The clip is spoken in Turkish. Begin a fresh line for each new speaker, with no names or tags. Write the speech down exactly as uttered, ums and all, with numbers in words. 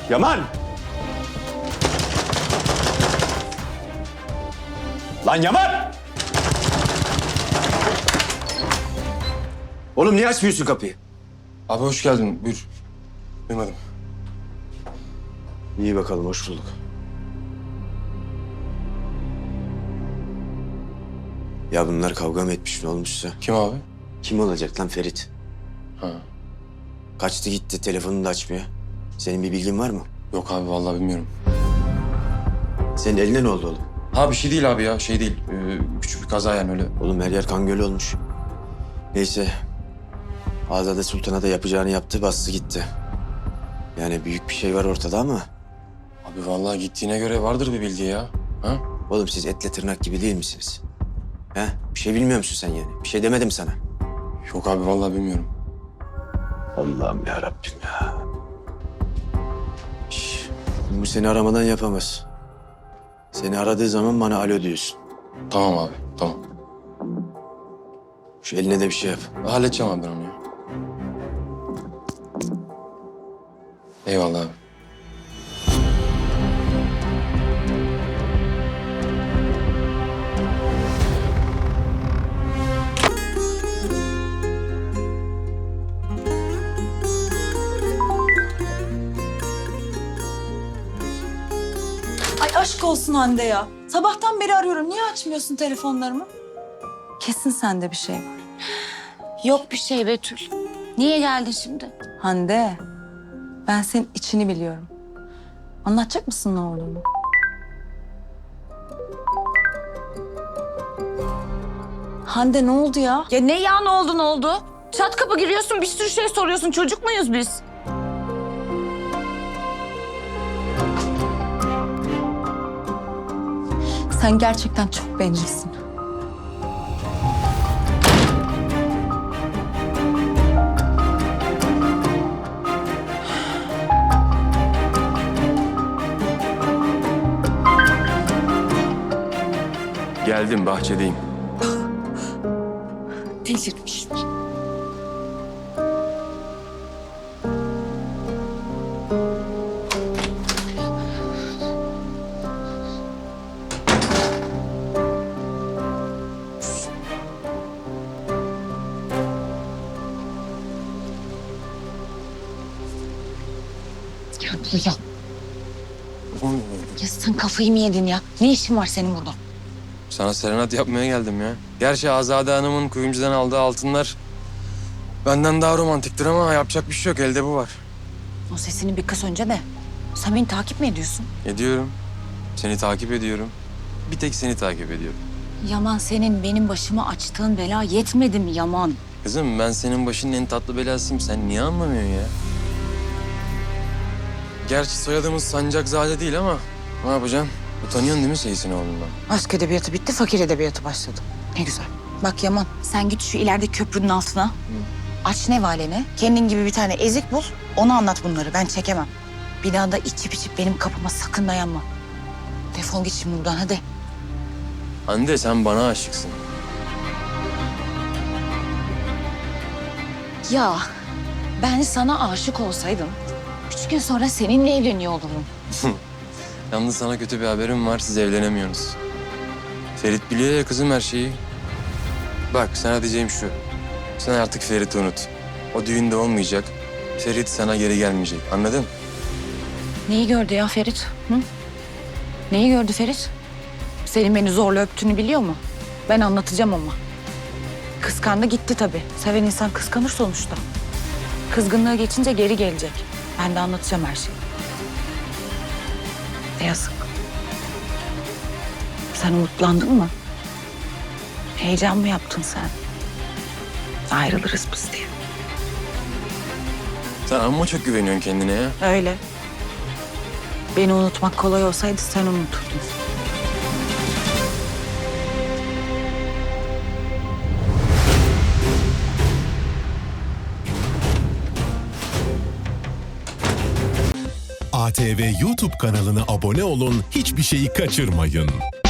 Yaman! Lan Yaman! Oğlum niye açmıyorsun kapıyı?
Abi hoş geldin. Buyur. Duymadım.
İyi bakalım, hoş bulduk. Ya bunlar kavga mı etmiş, ne olmuşsa?
Kim abi?
Kim olacak lan, Ferit?
Ha.
Kaçtı gitti, telefonunu da açmıyor. Senin bir bilgin var mı?
Yok abi vallahi bilmiyorum.
Senin eline ne oldu oğlum?
Ha bir şey değil abi ya. Şey değil. Ee, küçük bir kaza yani öyle.
Oğlum her yer kan gölü olmuş. Neyse. Azade Sultan'a da yapacağını yaptı, bastı gitti. Yani büyük bir şey var ortada ama...
Abi vallahi gittiğine göre vardır bir bildiği ya. Ha?
Oğlum siz etle tırnak gibi değil misiniz? He? Bir şey bilmiyor musun sen yani? Bir şey demedim sana.
Yok abi vallahi bilmiyorum.
Allah'ım ya Rabbim ya. Şş, bu seni aramadan yapamaz. Seni aradığı zaman bana alo diyorsun.
Tamam abi. Tamam.
Şu eline de bir şey yap.
Halledeceğim abi ben onu ya. Eyvallah abi.
Ay aşk olsun Hande ya. Sabahtan beri arıyorum. Niye açmıyorsun telefonlarımı? Kesin sende bir şey var.
Yok bir şey Betül. Niye geldin şimdi?
Hande, ben senin içini biliyorum. Anlatacak mısın ne olduğunu? Hande ne oldu ya?
Ya ne ya ne oldu ne oldu? Çat kapı giriyorsun bir sürü şey soruyorsun. Çocuk muyuz biz?
Sen gerçekten çok bencilsin.
Geldim bahçedeyim.
Delirmiş. Ya, ya, ya sen kafayı mı yedin ya? Ne işin var senin burada?
Sana serenat yapmaya geldim ya. Gerçi Azade Hanım'ın kuyumcudan aldığı altınlar benden daha romantiktir ama yapacak bir şey yok. Elde bu var.
O sesini bir kız önce de. Sen beni takip mi ediyorsun?
Ediyorum. Seni takip ediyorum. Bir tek seni takip ediyorum.
Yaman senin benim başıma açtığın bela yetmedi mi Yaman?
Kızım ben senin başının en tatlı belasıyım. Sen niye anlamıyorsun ya? Gerçi soyadımız Sancakzade değil ama ne yapacaksın? Utanıyorsun değil mi Seyis'in oğlundan?
Aşk edebiyatı bitti, fakir edebiyatı başladı. Ne güzel. Bak Yaman, sen git şu ileride köprünün altına. Aç nevaleni, kendin gibi bir tane ezik bul. Onu anlat bunları, ben çekemem. Bir daha da içip içip benim kapıma sakın dayanma. Defol git şimdi buradan, hadi.
Hande sen bana aşıksın.
Ya ben sana aşık olsaydım... ...üç gün sonra seninle evleniyor olurum.
Yalnız sana kötü bir haberim var. Siz evlenemiyorsunuz. Ferit biliyor ya kızım her şeyi. Bak sana diyeceğim şu. Sen artık Ferit'i unut. O düğünde olmayacak. Ferit sana geri gelmeyecek. Anladın?
Neyi gördü ya Ferit? Hı? Neyi gördü Ferit? Senin beni zorla öptüğünü biliyor mu? Ben anlatacağım ama. Kıskandı gitti tabii. Seven insan kıskanır sonuçta. Kızgınlığı geçince geri gelecek. Ben de anlatacağım her şeyi. Ne yazık. Sen umutlandın mı? Heyecan mı yaptın sen? Ayrılırız biz diye.
Sen amma çok güveniyorsun kendine ya.
Öyle. Beni unutmak kolay olsaydı sen unuturdun.
A T V YouTube kanalına abone olun, hiçbir şeyi kaçırmayın.